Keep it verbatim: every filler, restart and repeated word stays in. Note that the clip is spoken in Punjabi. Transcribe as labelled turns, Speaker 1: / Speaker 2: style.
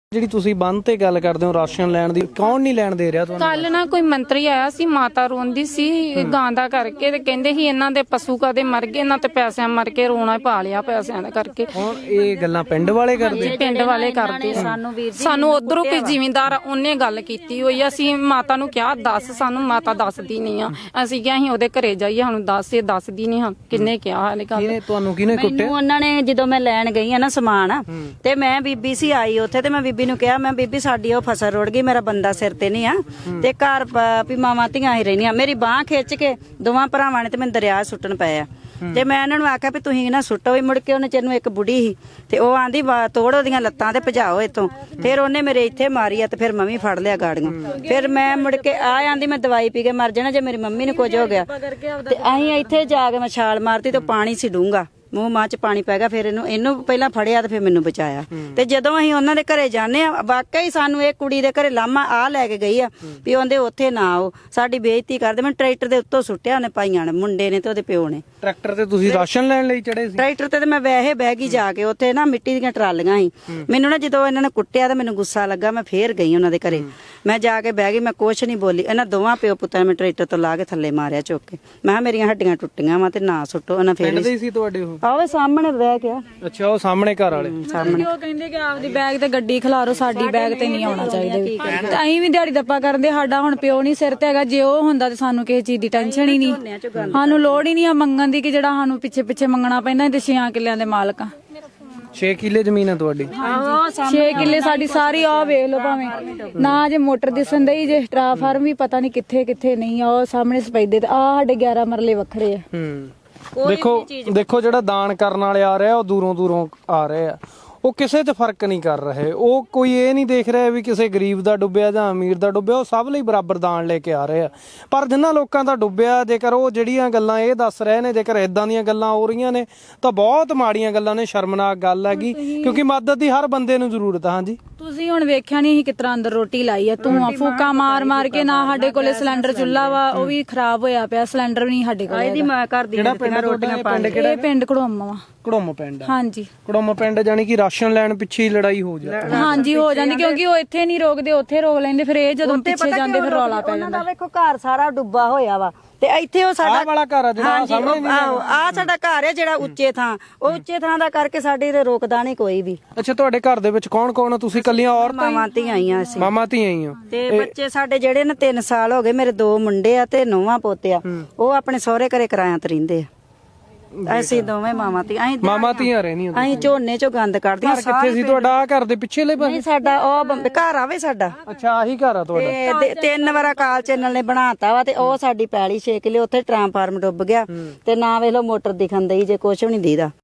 Speaker 1: ਜਿਹੜੀ ਤੁਸੀਂ ਬੰਦ ਤੇ ਗੱਲ ਕਰਦੇ ਹੋ ਰਾਸ਼ਨ ਲੈਣ ਦੀ, ਕੌਣ ਨਹੀਂ ਲੈਣ ਦੇ ਰਿਹਾ ਤੁਹਾਨੂੰ?
Speaker 2: ਕੱਲ ਨਾ ਕੋਈ ਮੰਤਰੀ ਆਇਆ ਸੀ, ਮਾਤਾ ਰੋਂਦੀ ਸੀ ਗਾਂ ਦਾ ਕਰਕੇ, ਤੇ ਕਹਿੰਦੇ ਸੀ ਇਹਨਾਂ ਦੇ ਪਸ਼ੂ ਕਦੇ ਮਰ ਗਏ, ਇਹਨਾਂ ਤੇ ਪੈਸਿਆਂ ਮਰ ਕੇ ਰੋਣਾ ਪਾ ਲਿਆ ਪੈਸਿਆਂ ਦਾ ਕਰਕੇ।
Speaker 1: ਹੁਣ ਇਹ ਗੱਲਾਂ ਪਿੰਡ ਵਾਲੇ ਕਰਦੇ?
Speaker 2: ਪਿੰਡ ਵਾਲੇ ਕਰਦੇ ਸਾਨੂੰ ਉਧਰੋਂ ਕੋਈ ਜ਼ਿਮੀਂਦਾਰ ਉਹਨੇ ਗੱਲ ਕੀਤੀ ਹੋਈ। ਅਸੀਂ ਮਾਤਾ ਨੂੰ ਕਿਹਾ ਦੱਸ, ਸਾਨੂੰ ਮਾਤਾ ਦੱਸਦੀ ਨਹੀਂ ਆ। ਅਸੀਂ ਕਿਹਾ ਅਸੀਂ ਉਹਦੇ ਘਰੇ ਜਾਈਏ, ਸਾਨੂੰ ਦੱਸ, ਇਹ ਦੱਸਦੀ ਨਹੀਂ ਹਾਂ। ਕਿੰਨੇ ਕਿਹਾ ਹਾਲੇ ਗੱਲ?
Speaker 1: ਕਿਹਨੇ ਤੁਹਾਨੂੰ ਕਿਹਨੇ ਕੁੱਟਿਆ?
Speaker 3: ਮੈਨੂੰ ਉਹਨਾਂ ਨੇ, ਜਦੋਂ ਮੈਂ ਲੈਣ ਗਈ ਆ ਨਾ ਸਮਾਨ, ਤੇ ਮੈਂ ਬੀਬੀ ਸੀ ਆਈ ਉੱਥੇ, ਤੇ ਮੈਂ ਬੀਬੀ ਨੂੰ ਕਿਹਾ, ਮੈਂ ਬੀਬੀ ਸਾਡੀ ਉਹ ਫਸਲ ਰੁੜ ਗਈ, ਮੇਰਾ ਬੰਦਾ ਸਿਰ ਤੇ ਨਹੀਂ ਆ, ਤੇ ਘਰ ਵੀ ਮਾਵਾਂ ਧੀਆਂ ਹੀ ਰਹਿਣੀਆਂ। ਮੇਰੀ ਬਾਹ ਖਿੱਚ ਕੇ ਦੋਵਾਂ ਭਰਾਵਾਂ ਨੇ ਤੇ ਮੈਨੂੰ ਦਰਿਆ ਸੁੱਟਣ ਪਏ ਆ। ਤੇ ਮੈਂ ਇਹਨਾਂ ਨੂੰ ਆਖਿਆ ਵੀ ਤੁਸੀਂ ਨਾ ਸੁੱਟੋ ਹੀ। ਮੁੜ ਕੇ ਉਹਨੇ ਚਿਰ ਨੂੰ ਇੱਕ ਬੁੜੀ ਸੀ, ਤੇ ਉਹ ਆਂਦੀ ਤੋੜ ਉਹਦੀਆਂ ਲੱਤਾਂ ਤੇ ਭਜਾਓ ਇੱਥੋਂ। ਫਿਰ ਉਹਨੇ ਮੇਰੇ ਇੱਥੇ ਮਾਰੀ ਆ, ਤੇ ਫਿਰ ਮੰਮੀ ਫੜ ਲਿਆ ਗਾੜੀਆਂ। ਫਿਰ ਮੈਂ ਮੁੜ ਕੇ ਆ ਆਂਦੀ ਮੈਂ ਦਵਾਈ ਪੀ ਕੇ ਮਰ ਜਾਣਾ ਜੇ ਮੇਰੀ ਮੰਮੀ ਨੂੰ ਕੁਝ ਹੋ ਗਿਆ। ਤੇ ਅਸੀਂ ਇੱਥੇ ਜਾ ਕੇ ਮੈਂ ਛਾਲ ਮਾਰਤੀ, ਤੇ ਪਾਣੀ ਸੀ ਡੂੰਘਾ, ਮੂੰਹ ਮਾਂ ਚ ਪਾਣੀ ਪੈ ਗਿਆ। ਫਿਰ ਇਹਨੂੰ ਇਹਨੂੰ ਪਹਿਲਾਂ ਫੜਿਆ ਤੇ ਫਿਰ ਮੈਨੂੰ ਬਚਾਇਆ। ਤੇ ਜਦੋਂ ਅਸੀਂ ਉਹਨਾਂ ਦੇ ਘਰੇ ਜਾਂਦੇ ਆ, ਵਾਕਈ ਸਾਨੂੰ ਇਹ ਕੁੜੀ ਦੇ ਘਰੇ ਲਾਮਾ ਆ ਲੈ ਕੇ ਗਈ ਆ ਵੀ ਉਹਦੇ ਉੱਥੇ ਨਾ ਆਓ, ਸਾਡੀ ਬੇਇੱਜ਼ਤੀ ਕਰਦੇ। ਮੈਂ ਟਰੈਕਟਰ ਦੇ ਉੱਤੋਂ ਸੁੱਟਿਆ ਉਹਨੇ, ਪਾਈਆਂ ਨੇ, ਮੁੰਡੇ ਨੇ ਤੇ ਉਹਦੇ ਪਿਓ ਨੇ।
Speaker 1: ਟਰੈਕਟਰ ਤੇ ਤੁਸੀਂ ਰਾਸ਼ਨ ਲੈਣ ਲਈ ਚੜੇ ਸੀ?
Speaker 3: ਟਰੈਕਟਰ ਤੇ ਮੈਂ ਵੈਸੇ ਬਹਿ ਗਈ ਜਾ ਕੇ, ਉੱਥੇ ਨਾ ਮਿੱਟੀ ਦੀਆਂ ਟਰਾਲੀਆਂ ਸੀ। ਮੈਨੂੰ ਨਾ ਜਦੋਂ ਇਹਨਾਂ ਨੇ ਕੁੱਟਿਆ ਤਾਂ ਮੈਨੂੰ ਗੁੱਸਾ ਲੱਗਾ, ਮੈਂ ਫੇਰ ਗਈ ਉਹਨਾਂ ਦੇ ਘਰੇ। ਮੈਂ ਜਾ ਕੇ ਬਹਿ ਗਈ, ਮੈਂ ਕੁਛ ਨਹੀਂ ਬੋਲੀ। ਇਹਨਾਂ ਦੋਵਾਂ ਪਿਓ ਪੁੱਤਾਂ ਨੇ ਮੈਂ ਟਰੈਕਟਰ ਤੋਂ ਲਾ ਕੇ ਥੱਲੇ ਮਾਰਿਆ ਚੁੱਕ ਕੇ। ਮੈਂ ਕਿਹਾ ਮੇਰੀਆਂ ਹੱਡੀਆਂ ਟੁੱਟੀਆਂ ਵਾ ਤੇ ਨਾ ਸੁੱਟੋ। ਉਹਨਾਂ ਫੇਰ
Speaker 1: ਪਿੰਡ ਦੇ ਸੀ ਤੁਹਾਡੇ ਉਹ?
Speaker 3: ਆਵੇ ਸਾਹਮਣੇ ਬਹਿ ਗਿਆ।
Speaker 1: ਅੱਛਾ, ਉਹ ਸਾਹਮਣੇ ਘਰ ਵਾਲੇ
Speaker 3: ਸਾਹਮਣੇ
Speaker 4: ਉਹ ਕਹਿੰਦੇ ਕਿ ਆਪਦੀ ਬੈਗ ਤੇ ਗੱਡੀ ਖਿਲਾਰੋ, ਸਾਡੀ ਬੈਗ ਤੇ ਨਹੀਂ ਆਉਣਾ ਚਾਹੀਦਾ। ਤੇ ਅਸੀਂ ਵੀ ਦਿਹਾੜੀ ਦੱਪਾ ਕਰਦੇ, ਸਾਡਾ ਹੁਣ ਪਿਓ ਨਹੀਂ ਸਿਰ ਤੇ ਹੈਗਾ। ਜੇ ਉਹ ਹੁੰਦਾ ਤੇ ਸਾਨੂੰ ਕਿਸੇ ਚੀਜ਼ ਦੀ ਟੈਨਸ਼ਨ ਹੀ ਨਹੀਂ, ਸਾਨੂੰ ਲੋੜ ਹੀ ਨਹੀਂ ਆ ਮੰਗਣ ਦੀ ਕਿ ਜਿਹੜਾ ਸਾਨੂੰ ਪਿੱਛੇ ਪਿੱਛੇ ਮੰਗਣਾ ਪੈਂਦਾ। ਤੇ ਛੇ ਕਿੱਲਿਆਂ ਦੇ ਮਾਲਕ ਆ।
Speaker 1: ਛੇ ਕਿੱਲੇ ਜ਼ਮੀਨ ਹੈ ਤੁਹਾਡੀ?
Speaker 4: ਛੇ ਕਿੱਲੇ ਸਾਡੀ ਸਾਰੀ ਆ ਵੇਖ ਲਓ, ਭਾਵੇਂ ਨਾ ਜੇ ਮੋਟਰ ਦਿਸਣ ਦਈ, ਜੇ ਟਰਾਫਾਰਮ ਵੀ ਪਤਾ ਨਹੀਂ ਕਿੱਥੇ ਕਿੱਥੇ ਨਹੀਂ ਆ। ਉਹ ਸਾਹਮਣੇ ਸਪੈਦੇ ਤੇ ਆ ਸਾਡੇ ਗਿਆਰਾਂ ਮਰਲੇ ਵੱਖਰੇ ਆ।
Speaker 1: ਹੂੰ, ਦੇਖੋ ਦੇਖੋ ਜਿਹੜਾ ਦਾਨ ਕਰਨ ਵਾਲੇ ਆ ਰਹੇ ਆ, ਉਹ ਦੂਰੋਂ ਦੂਰੋਂ ਆ ਰਹੇ ਆ। ਉਹ ਕਿਸੇ 'ਚ ਫਰਕ ਨਹੀਂ ਕਰ ਰਹੇ। ਉਹ ਕੋਈ ਇਹ ਨਹੀਂ ਦੇਖ ਰਿਹਾ ਵੀ ਕਿਸੇ ਗਰੀਬ ਦਾ ਡੁੱਬਿਆ ਜਾਂ ਅਮੀਰ ਦਾ ਡੁੱਬਿਆ। ਉਹ ਸਭ ਲਈ ਬਰਾਬਰ ਦਾਨ ਲੈ ਕੇ ਆ ਰਹੇ ਆ। ਪਰ ਜਿਨ੍ਹਾਂ ਲੋਕਾਂ ਦਾ ਡੁੱਬਿਆ, ਜੇਕਰ ਉਹ ਜਿਹੜੀਆਂ ਗੱਲਾਂ ਇਹ ਦੱਸ ਰਹੇ ਨੇ, ਜੇਕਰ ਇਦਾਂ ਦੀਆਂ ਗੱਲਾਂ ਹੋ ਰਹੀਆਂ ਨੇ ਤਾਂ ਬਹੁਤ ਮਾੜੀਆਂ ਗੱਲਾਂ ਨੇ, ਸ਼ਰਮਨਾਕ ਗੱਲ ਹੈਗੀ। ਕਿਉਂਕਿ ਮਦਦ ਦੀ ਹਰ ਬੰਦੇ ਨੂੰ ਜ਼ਰੂਰਤ ਆ। ਹਾਂਜੀ,
Speaker 4: ਤੁਸੀਂ ਹੁਣ ਵੇਖਿਆ ਨਹੀਂ ਕਿਸ ਤਰ੍ਹਾਂ ਅੰਦਰ ਰੋਟੀ ਲਾਈ ਆ, ਧੂਆਂ ਫੂਕਾ ਮਾਰ ਮਾਰ ਕੇ। ਨਾ ਸਾਡੇ ਕੋਲੇ ਸਿਲੰਡਰ ਚੁੱਲ੍ਹਾ ਵਾ, ਉਹ ਵੀ ਖਰਾਬ ਹੋਇਆ ਪਿਆ। ਸਿਲੰਡਰ ਵੀ ਨਹੀਂ ਸਾਡੇ ਕੋਲ।
Speaker 3: ਇਹਦੀ ਮਾਂ ਘਰ ਦੀ ਰੋਟੀਆਂ ਪਾਣੀ।
Speaker 4: ਇਹ ਪਿੰਡ ਘੜੋਮ ਵਾ।
Speaker 1: ਘੜੋਮ ਪਿੰਡ?
Speaker 4: ਹਾਂਜੀ,
Speaker 1: ਘੜੋਮ ਪਿੰਡ। ਜਾਨੀ ਕਿ ਰਾਸ਼ਨ ਲੈਣ ਪਿੱਛੇ ਹੀ ਲੜਾਈ ਹੋ ਜਾਂਦੀ?
Speaker 4: ਹਾਂਜੀ ਹੋ ਜਾਂਦੀ, ਕਿਉਂਕਿ ਉਹ ਇੱਥੇ ਨਹੀਂ ਰੋਕਦੇ, ਉੱਥੇ ਰੋਕ ਲੈਂਦੇ। ਫਿਰ ਇਹ ਜਦੋਂ ਪਿੱਛੇ ਜਾਂਦੇ ਫਿਰ ਰੌਲਾ ਪੈ ਜਾਂਦਾ।
Speaker 3: ਵੇਖੋ ਘਰ ਸਾਰਾ ਡੁੱਬਾ ਹੋਇਆ ਵਾ, ਤੇ ਇੱਥੇ ਉਹ ਸਾਡਾ
Speaker 1: ਵਾਲਾ ਘਰ ਆ ਜਿਹੜਾ ਸਾਹਮਣੇ?
Speaker 3: ਆ ਸਾਡਾ ਘਰ ਹੈ ਜਿਹੜਾ ਉੱਚੇ ਥਾਂ, ਉਹ ਉੱਚੇ ਥਾਂ ਦਾ ਕਰਕੇ ਸਾਡੇ ਤੇ ਰੋਕਦਾ ਨਹੀਂ ਕੋਈ ਵੀ।
Speaker 1: ਅੱਛਾ, ਤੁਹਾਡੇ ਘਰ ਦੇ ਵਿੱਚ ਕੌਣ ਕੌਣ? ਤੁਸੀਂ ਕੱਲੀਆਂ ਔਰਤਾਂ?
Speaker 3: ਮਾਵਾਂ ਧੀਆਂ ਆਈਆਂ ਅਸੀਂ।
Speaker 1: ਮਾਮਾ ਧੀਆਂ ਹੀ ਹੋ?
Speaker 3: ਤੇ ਬੱਚੇ ਸਾਡੇ ਜਿਹੜੇ ਨੇ ਤਿੰਨ ਸਾਲ ਹੋ ਗਏ। ਮੇਰੇ ਦੋ ਮੁੰਡੇ ਆ ਤੇ ਨੌਵਾਂ ਪੋਤੇ ਆ। ਉਹ ਆਪਣੇ ਸਹੁਰੇ ਘਰੇ ਕਿਰਾਇਆਂ ਤੇ ਰਹਿੰਦੇ ਆ। ਅਸੀਂ ਦੋਵੇਂ ਮਾਵਾਂ ਧੀਆਂ। ਅਸੀਂ
Speaker 1: ਮਾਮਾ ਧੀਆਂ ਰਹਿੰਦੀਆਂ?
Speaker 3: ਅਸੀਂ ਝੋਨੇ ਚੋਂ ਗੰਦ ਕੱਢਦੀਆਂ।
Speaker 1: ਘਰ ਕਿੱਥੇ ਸੀ ਤੁਹਾਡਾ? ਘਰ ਦੇ ਪਿੱਛੇ ਲੈ
Speaker 3: ਨਹੀਂ, ਸਾਡਾ ਉਹ ਬੰਬੇ ਘਰ ਆਵੇ ਸਾਡਾ।
Speaker 1: ਅੱਛਾ, ਆਹੀ ਘਰ ਆ ਤੁਹਾਡਾ?
Speaker 3: ਤੇ ਤਿੰਨ ਵਾਰਾ ਕਾਲ ਚੈਨਲ ਨੇ ਬਣਾਤਾ ਵਾ, ਤੇ ਉਹ ਸਾਡੀ ਪੈਲੀ ਛੇ ਕਿੱਲੇ ਉੱਥੇ ਟਰਾਂਸਫਾਰਮ ਡੁੱਬ ਗਿਆ। ਤੇ ਨਾ ਵੇਖ ਲਓ ਮੋਟਰ ਦਿਖਣ ਦਈ, ਜੇ ਕੁਛ ਵੀ ਨਹੀਂ ਦੀਦਾ।